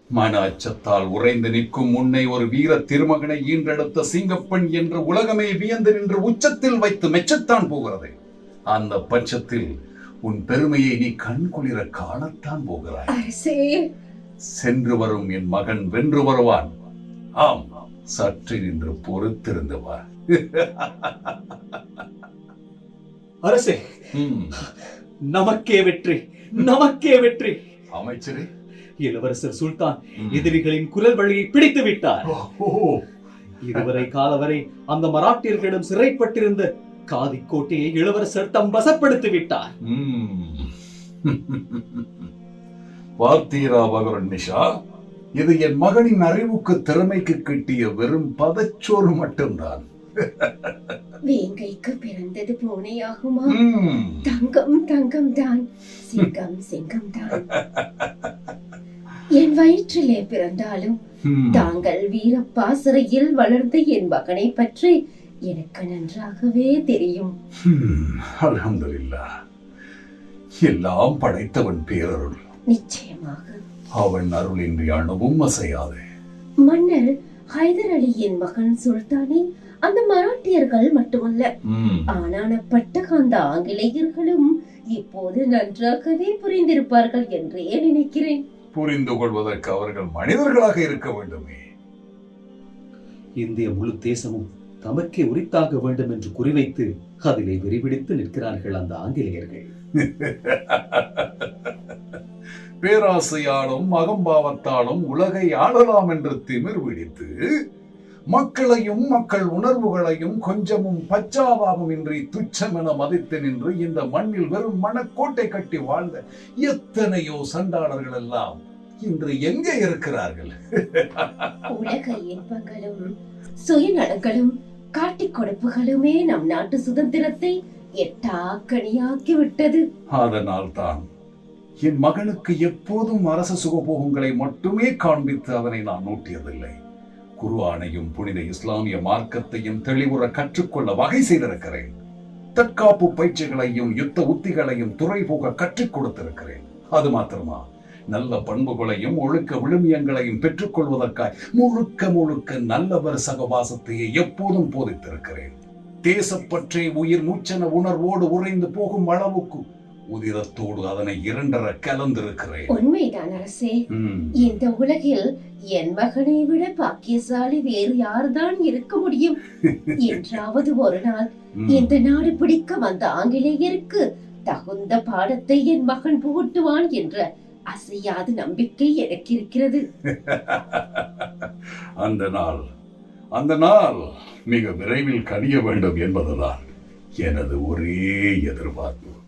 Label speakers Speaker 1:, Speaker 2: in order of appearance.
Speaker 1: மன அச்சத்தால் உறைந்து நிற்கும் முன்னை ஒரு வீர திருமகனை ஈன்றெடுத்த சிங்கப்பெண் என்று உலகமே வியந்து நின்று உச்சத்தில் வைத்து மெச்சத்தான் போகிறது. அந்த பட்சத்தில் உன் பெருமையை நீ கண்குளிர காணத்தான் போகிறாய். சென்று வரும் என் மகன் வென்று வருவான். ஆம், சற்று நின்று பொறுத்திருந்து வா.
Speaker 2: அரசே, நமக்கே வெற்றி, நமக்கே வெற்றி.
Speaker 1: அமைச்சரே,
Speaker 2: இளவரசர் சுல்தான் எதிரிகளின் குரல் வழியை பிடித்து விட்டார். இதுவரை காலவரை அந்த மராட்டியர்களிடம் சிறைப்பட்டிருந்த காதி கோட்டையை இளவரசர் தம் வசப்படுத்தி விட்டார்.
Speaker 1: பார்த்தீரா பகவன் நிஷா, இது என் மகனின் அறிவுக்கு திறமைக்கு கிட்டிய வெறும் பதச்சோறு மட்டும்தான்.
Speaker 3: வேங்கைக்கு பிறந்தது பூனையாகுமா? தங்கம் தங்கம் தான், சிங்கம் சிங்கம் தான். என் வயிற்றிலே பிறந்தாலும் தாங்கள் வீரப்பா சிறையில் வளர்ந்த என் மகனை பற்றி எனக்கு நன்றாகவே தெரியும்.
Speaker 1: அல்ஹம்துலில்லாஹ், எல்லாம் படைத்தவன் பேரருள்.
Speaker 3: நிச்சயமாக
Speaker 1: அவன் அருளின்றி அணுவும் அசையாது.
Speaker 3: மன்னர் ஹைதர் அலியின் மகன் சுல்தானை அந்த மராட்டியர்கள் மட்டுமல்ல, ஆனானப்பட்ட அந்த ஆங்கிலேயர்களும் இப்போது நன்றாகவே புரிந்திருப்பார்கள் என்றே நினைக்கிறேன்.
Speaker 1: புரிந்து கொள்வதற்கு அவர்கள் மனிதர்களாக இருக்க வேண்டுமே.
Speaker 2: இந்திய முழு தேசமும் தமக்கே உரித்தாக வேண்டும் என்று குறிவைத்து அதிலே விரிவிடித்து நிற்கிறார்கள் அந்த ஆங்கிலேயர்கள்.
Speaker 1: பேராசையாலும் அகம்பாவத்தாலும் உலகை ஆளலாம் என்று திமிர் பிடித்து மக்களையும் மக்கள் உணர்வுகளையும் கொஞ்சமும் பச்சாபாவம் இன்றி துச்சமென மதித்து நின்று இந்த மண்ணில் வெறும் மனக்கோட்டை கட்டி வாழ்ந்த எத்தனையோ சண்டாளர்கள் எல்லாம் இன்று எங்கே இருக்கிறார்கள்?
Speaker 3: உலக இன்பங்களும் சுயநலங்களும் காட்டிக் கொடுப்புகளுமே நம் நாட்டு சுதந்திரத்தை எட்டாக்கணியாக்கி விட்டது.
Speaker 1: அதனால் தான் என் மகனுக்கு எப்போதும் அரச சுகபோகங்களை மட்டுமே காண்பித்து அதனை நான் நோட்டியதில்லை. குர்ஆனையும் புனித இஸ்லாமிய மார்க்கத்தையும் தெளிவுற கற்றுக்கொள்ள வகை செய்திருக்கிறேன். தற்காப்பு பயிற்சிகளையும் யுத்த உத்திகளையும் துறை போக கற்றுக் கொடுத்திருக்கிறேன். அது மாத்திரமா, நல்ல பண்புகளையும் ஒழுக்க விழுமியங்களையும் பெற்றுக் கொள்வதற்காய் முழுக்க முழுக்க நல்லவர் சகவாசத்தையே எப்போதும் போதித்திருக்கிறேன். தேசப்பற்றே உயிர் மூச்சென உணர்வோடு உறைந்து போகும் அளவுக்கு உதிரத்தோடு அதனை இரண்டர கலந்திருக்கிறேன்.
Speaker 3: உண்மைதான் அரசே. இந்த உலகில் என் மகனை விட பாக்கியசாலி வேறு யார்தான் இருக்க முடியும்? என்றாவது ஒரு நாள் இந்த நாடு பிடிக்க வந்த ஆங்கிலேயருக்கு தகுந்த பாடத்தை என் மகன் புகட்டுவான் என்ற அசையாத நம்பிக்கை எனக்கு இருக்கிறது.
Speaker 1: அந்த நாள் மிக விரைவில் கனிய வேண்டும் என்பதுதான் எனது ஒரே எதிர்பார்ப்பு.